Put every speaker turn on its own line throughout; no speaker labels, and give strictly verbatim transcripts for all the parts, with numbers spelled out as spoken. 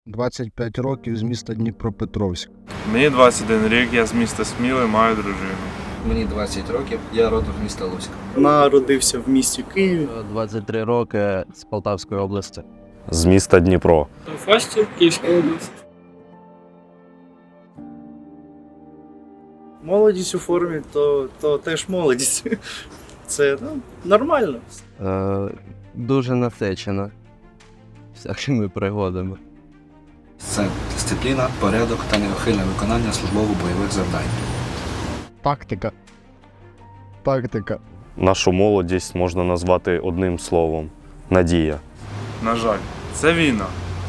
двадцять п'ять років, з міста Дніпропетровськ.
Мені двадцять один рік, я з міста Сміли, маю дружину.
Мені двадцять років, я родом з міста Луцька.
Народився в місті Києві.
двадцять три роки, з Полтавської області.
З міста Дніпро.
Фастів, Київська область.
Молодість у формі, то, то теж молодість. Це ну, нормально.
Е, дуже насичена всякими пригодами.
Це дисципліна, порядок та неухильне виконання службово-бойових завдань.
Тактика. Тактика.
Нашу молодість можна назвати одним словом – надія.
На жаль, це війна.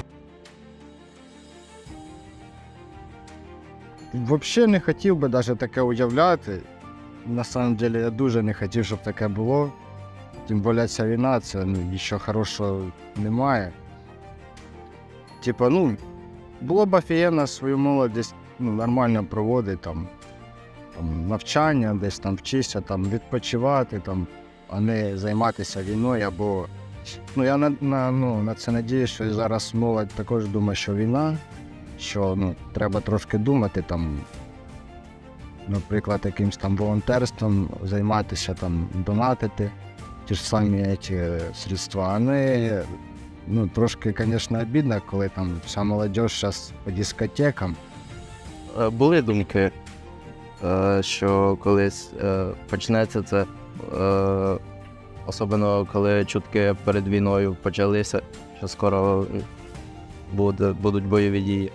Взагалі не хотів би навіть таке уявляти. На самом деле я дуже не хотів, щоб таке було. Тим більше ця війна, це ну, нічого хорошого немає. Типа, ну, було б офігенно свою молодість ну, нормально проводити, там, там, навчання, десь там вчитися, там, відпочивати, там, а не займатися війною або... Ну, я на, на, ну, на це надіюсь, що зараз молодь також думає, що війна, що ну, треба трошки думати, там, наприклад, якимось там волонтерством займатися, там, донатити ті ж самі ці средства. А не, ну, трошки, звісно, обідно, коли там вся молодь зараз по дискотекам.
Е, були думки, е, що колись е, почнеться це, е, особливо коли чутки перед війною почалися, що скоро буде, будуть бойові дії.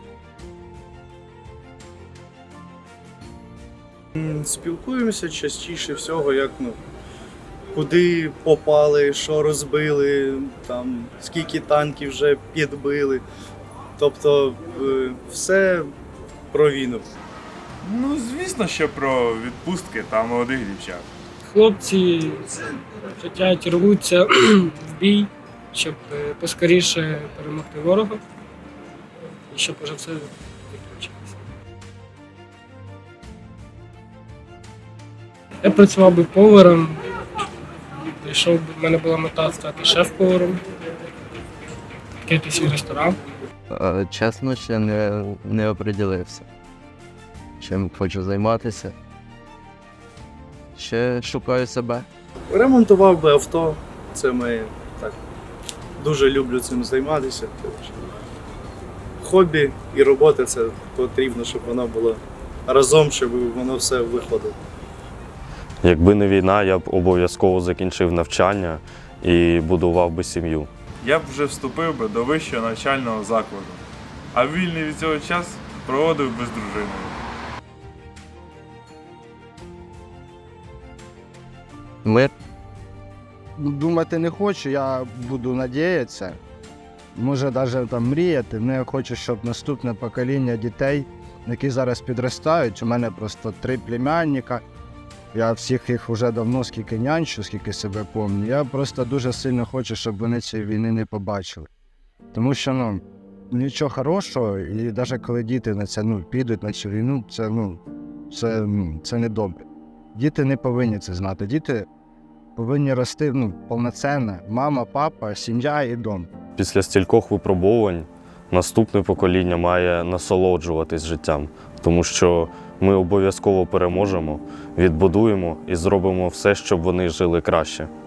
М, Спілкуємося частіше всього, як ну, куди попали, що розбили, там, скільки танків вже підбили. Тобто е, все про війну.
Ну, звісно, що про відпустки та молодих дівчат.
Хлопці хочуть рвуться в бій, щоб е, поскоріше перемогти ворога і щоб уже все закінчилося. Я працював би поваром, прийшов би, в мене була мета стати шеф-поваром, відкрити свій ресторан.
Е, чесно, ще не, не оприділився, чим хочу займатися. Ще шукаю себе.
Ремонтував би авто, це моє так. Дуже люблю цим займатися. Хобі і робота це потрібно, щоб воно було разом, щоб воно все виходило.
Якби не війна, я б обов'язково закінчив навчання і будував би сім'ю.
Я б вже вступив би до вищого навчального закладу, а вільний від цього час проводив би з дружиною.
Мир.
Думати не хочу, я буду надіятися. Може навіть там мріяти. Ну, я хочу, щоб наступне покоління дітей, які зараз підростають, у мене просто три племянника. Я всіх їх вже давно скільки нянчу, скільки себе пам'ятаю. Я просто дуже сильно хочу, щоб вони цієї війни не побачили. Тому що, ну, нічого хорошого, і навіть коли діти на це, ну, підуть на цю війну, це, ну, це, ну, це не добре. Діти не повинні це знати. Діти повинні рости, ну, повноцінно. Мама, папа, сім'я і дом.
Після стількох випробувань наступне покоління має насолоджуватись життям, тому що ми обов'язково переможемо, відбудуємо і зробимо все, щоб вони жили краще.